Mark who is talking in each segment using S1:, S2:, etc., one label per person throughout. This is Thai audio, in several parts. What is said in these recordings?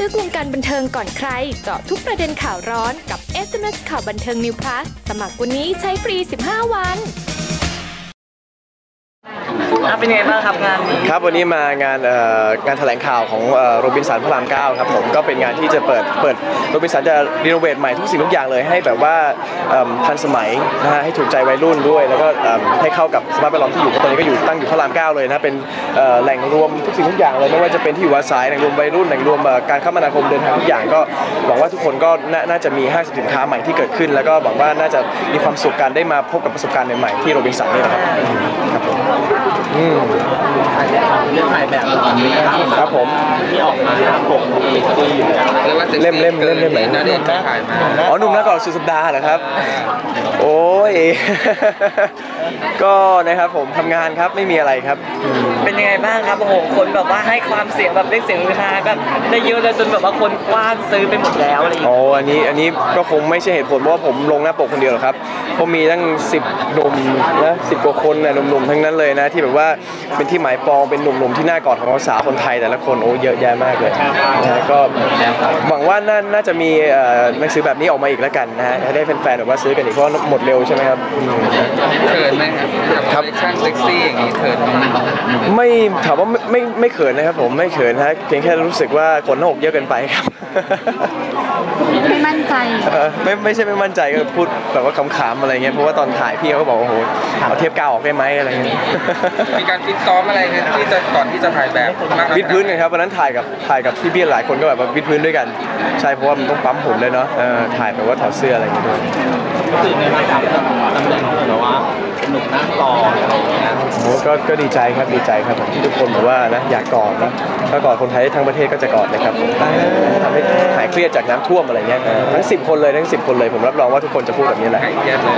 S1: ลึกวงการบันเทิงก่อนใครเจาะทุกประเด็นข่าวร้อนกับ SMS ข่าวบันเทิง New Plus สมัครวันนี้ใช้ฟรี 15 วัน
S2: เป็นไงบ้างครับงานนี้
S3: ครับวันนี้มางานแถลงข่าวของโรบินสันพระราม 9ครับผมก็เป็นงานที่จะเปิดโรบินสันจะรีโนเวทใหม่ทุกสิ่งทุกอย่างเลยให้แบบว่าทันสมัยนะฮะให้ถูกใจวัยรุ่นด้วยแล้วก็ให้เข้ากับสภาพแวดล้อมที่อยู่ตอนนี้ก็ตั้งอยู่พระราม 9เลยนะเป็นแหล่งรวมทุกสิ่งทุกอย่างเลยไม่ว่าจะเป็นที่อยู่อาศัยแหล่งรวมวัยรุ่นแหล่งรวมการคมนาคมเดินทางทุกอย่างก็หวังว่าทุกคนก็น่าจะมีห้างสินค้าใหม่ที่เกิดขึ้นแล้วก็หวังว่าน่าจะมีความสุขกันได้มาพบกับประสบการณ์ใหม่ๆที่โรบินสันนี่นะครับครับผม
S2: เรื่องถ่ายแบบ
S3: ครับผม
S2: ที่ออกมาปก
S3: เล่มไหน
S2: น่าเด็ดถ่ายมา
S3: อ๋อหนุ่มนักก่อนสุดสัปดาห์เหรอครับโอ้ยก็นะครับผมทำงานครับไม่มีอะไรครับ
S2: เป็นยังไงบ้างครับโอ้โหคนแบบว่าให้ความเสียงแบบเรียกเสียงฮือฮาแบบได้เยอะเลยจนแบบว่าคนกว้านซื้อไปหมดแล้วอะไรอย่างเงี้ย
S3: อ๋ออันนี้ก็คงไม่ใช่เหตุผลเพราะว่าผมลงหน้าปกคนเดียวหรอกครับเพราะมีตั้ง10หนุ่มนะ10กว่าคนนะหนุ่มๆทั้งนั้นเลยนะที่แบบว่าเป็นที่หมายปองเป็นหนุ่มๆที่น่ากอดของสาวคนไทยแต่ละคนโอ้เยอะแยะมากเลยนะก็หวังว่าน่าจะมีหนังสือแบบนี้ออกมาอีกแล้วกันนะฮะให้ได้แฟนๆแบบว่าซื้อกันอีกเพราะหมดเร็วใช่ไหมครับ
S4: เขินไหมครับคอลเลคชั่นเซ็กซี่อย่างนี้เขินไหม
S3: ไม่ถามว่าไม่เขินนะครับผมไม่เขินฮะเพียงแค่รู้สึกว่าขนหน้าอกเยอะเกินไปครับ
S1: ไม่มั่นใจ
S3: ไม่ใช่ไม่มั่นใจก็พูดแบบว่าขำๆอะไรเงี้ยเพราะว่าตอนถ่ายพี่เขาก็บอกโอ้โหเอาเทปกาวออกได้ไหมอะไรเงี้ย
S4: มีการฟิตซ้อมอะไรกันที่จะก่อนที่จะถ่ายแบบ
S3: วิดพื้นกันครับวันนั้นถ่ายกับพี่ๆหลายคนก็แบบว่าวิดพื้นด้วยกันใช่เพราะว่ามันต้องปั๊มหุ่นเลยเนาะถ่ายแบบว่าถอดเสื้ออะไรอย่างเงี้ยด้วย
S2: รู้สึกไงบ้างครับตำแหน่งแบบว่าหนุ่มนั่งรออะไรอย่างเงี้ย
S3: โอ้ก็ดีใจครับผมที่ทุกคนบอกว่านะอยากกอดนะถ้ากอดคนไทยทั้งประเทศก็จะกอดนะครับผมทำให้หายเครียดจากน้ำท่วมอะไรเงี้ยทั้ง10 คนเลยผมรับรองว่าทุกคนจะพูดแบบนี้แหละ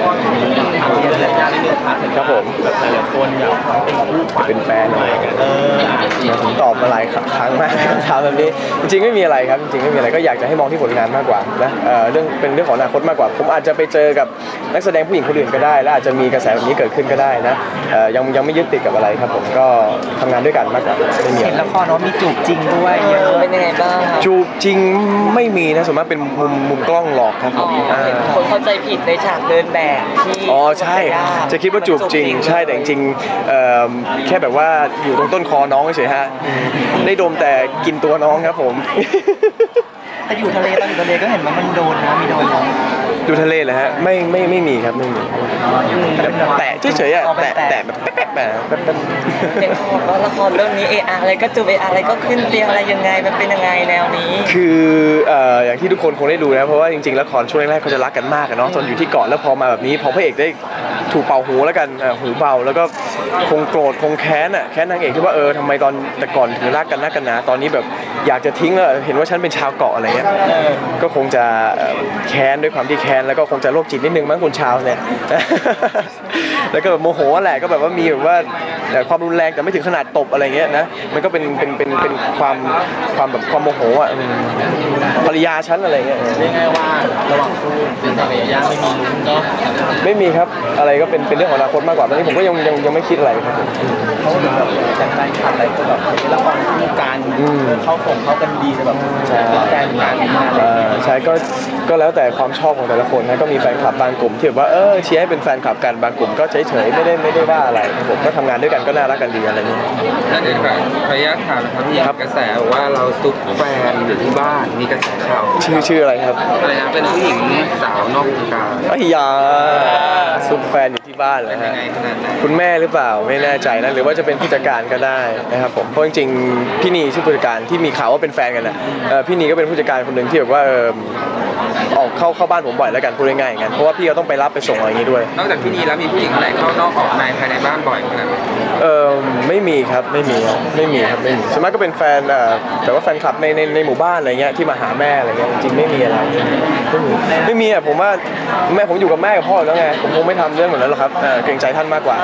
S3: ครับผม
S2: แบบหลายคนอยากเป็นคู่ขวัญ
S3: เป็นแฟนอะไรกันผมตอบมาหลายครั้งมากถามแบบนี้จริงๆไม่มีอะไรครับจริงๆไม่มีอะไรก็อยากจะให้มองที่ผลงานมากกว่านะเป็นเรื่องของอนาคตมากกว่าผมอาจจะไปเจอกับนักแสดงผู้หญิงคนอื่นก็ได้และอาจจะมีกระแสแบบนี้เกิดขึ้นก็ได้นะยังไม่ยึดติดกับอะไรครับผมก็ทำงานด้วยกันมากกว่าไม่มี
S2: เห็นละครว่ามีจูบจริงด้วยเป็นยังไงบ้าง
S3: จูบจริงไม่มีนะส่วนมากเป็นมุมกล้องหลอกครับผม
S2: คนเข้าใจผิดในฉากเดินแบบที่
S3: อ๋อใช่จะคิดว่าจูบจริงใช่แต่จริงๆแค่แบบว่าอยู่ตรงต้นคอน้องเฉยฮะได้ดมแต่กินตัวน้องครับผม
S2: แต่อยู่ทะเลตอนอยู่ทะเลก็เห็นว่ามันโดนนะมีโดนน้อง
S3: ดูทะเลเหรอฮะไม่มีครับไม่มีแตะเฉยๆอ่ะแตะแบบแป๊บ
S2: เห็นบอกว่าละครเรื่องนี้อะไรก็จูบอะไรก็ขึ้นเตียงอะไรยังไงมันเป็นยังไงแนวนี้
S3: คืออย่างที่ทุกคนคงได้ดูนะเพราะว่าจริงๆละครช่วงแรกๆเขาจะรักกันมากเนาะตอนอยู่ที่เกาะแล้วพอมาแบบนี้พอพระเอกได้ถูกเป่าหูแล้วกันหูเบาแล้วก็คงโกรธคงแค้นนางเอกที่ว่าทำไมตอนแต่ก่อนถึงรักกันนักกันหนาตอนนี้แบบอยากจะทิ้งแล้วเห็นว่าฉันเป็นชาวเกาะอะไรเงี้ยก็คงจะแค้นด้วยความที่แค้นแล้วก็คงจะโรคจิตนิดนึงมั้งคุณชาวเนี่ยแล้วก็แบบโมโหแหละก็แบบว่ามีแบบว่าความรุนแรงแต่ไม่ถึงขนาดตบอะไรเงี้ยนะมันก็เป็นความแบบความโมโหภรรยาฉันอะไรเงี้ย
S2: เรียกง่ายว่าระหว่างคู่เป็นภรรยาไม่มีลุ้นก็
S3: ไม่มีครับอะไรก็เป็นเรื่องของอนาคตมากกว่าตอนนี้ผมก็ยังไม่คิดอะไรครับ
S2: เขาแบบแฟนคลับอะไรก็แบบละครคู่กันเข้ากันดีแบบแฟนกัน
S3: ใช่ก็แล้วแต่ความชอบของแต่ละคนนะก็มีแฟนคลับบางกลุ่มที่แบบว่าเชียร์ให้เป็นแฟนคลับกันบางกลุ่มก็เฉยๆไม่ได้ว่าอะไรผมก็ทำงานด้วยกันก็น่ารักกันดีอะไรอย่างเงี้ย
S4: นั่นเองครับขออนุญาตถามนะครับกระแสว่าเราซุกแฟนอยู่ที่บ้านมีกระแสข่าว
S3: ชื่ออะไรครับ
S4: อะไรนะเป็นผู้หญิงสาวนอกวงการ
S3: ยาซุกแฟนอยู่ที่บ้านเหรอฮะคุณแม่หรือเปล่าไม่แน่ใจนะหรือว่าจะเป็นผู้จัดการก็ได้นะครับผมเพราะจริงๆพี่นีชื่อผู้จัดการที่มีข่าวว่าเป็นแฟนกันนะพี่นีก็เป็นผู้จัดการคนหนึ่งที่แบบว่าออกเข้าบ้านผมบ่อยแล้วกันพูดง่ายๆอย่างนั้นเพราะว่าพี่เขาต้องไปรับไปส่งอะไรอย่างนี้ด้วย
S4: นอกจากพี่นีแล้วมีผู้หญิงอะไรเข้านอกออกในภายในบ้านบ่อยขนาดไหน
S3: ไม่มีครับไม่มีส่วนมากก็เป็นแฟนแต่ว่าแฟนคลับในหมู่บ้านอะไรเงี้ยที่มาหาแม่อะไรเงี้ยจริงไม่มีอะไรไม่มีผมว่าแม่ผมอยู่กับแม่กับพ่อแล้วไงผมคงไม่ทำเรื่องเหมือนนั้นหรอกครับเกรงใจท่านมากกว่า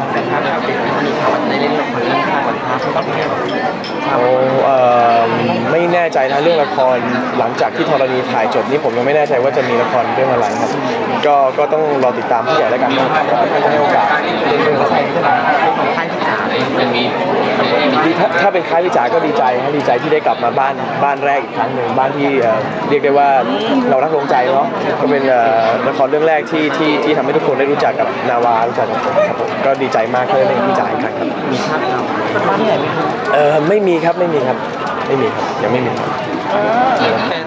S3: ไม่แน่ใจนะเรื่องละครหลังจากที่ธรณีถ่ายจบนี่ผมยังไม่แน่ใจว่าจะมีละครเรื่องอะไรครับก็ต้องรอติดตามผู้ใหญ่แล้วกันถ้าจะให้โอกาส
S2: เรื่องใครใช่ไหมค่ายที่จ๋า
S4: ยังมี
S3: ถ้าเป็นค่ายพี่จ๋าก็ดีใจดีใจที่ได้กลับมาบ้านแรกอีกครั้งหนึ่งบ้านที่เรียกได้ว่าเรารักลงใจเนาะก็เป็นละครเรื่องแรกที่ทำให้ทุกคนได้รู้จักกับนาวารู้จักกับผมครับผมก็ดีใจมากที่ได้เล่นกับพี่จ๋าอีกครั้งครับมีภาพเราไม่มีครับยังไม่มีครับ
S4: โอเค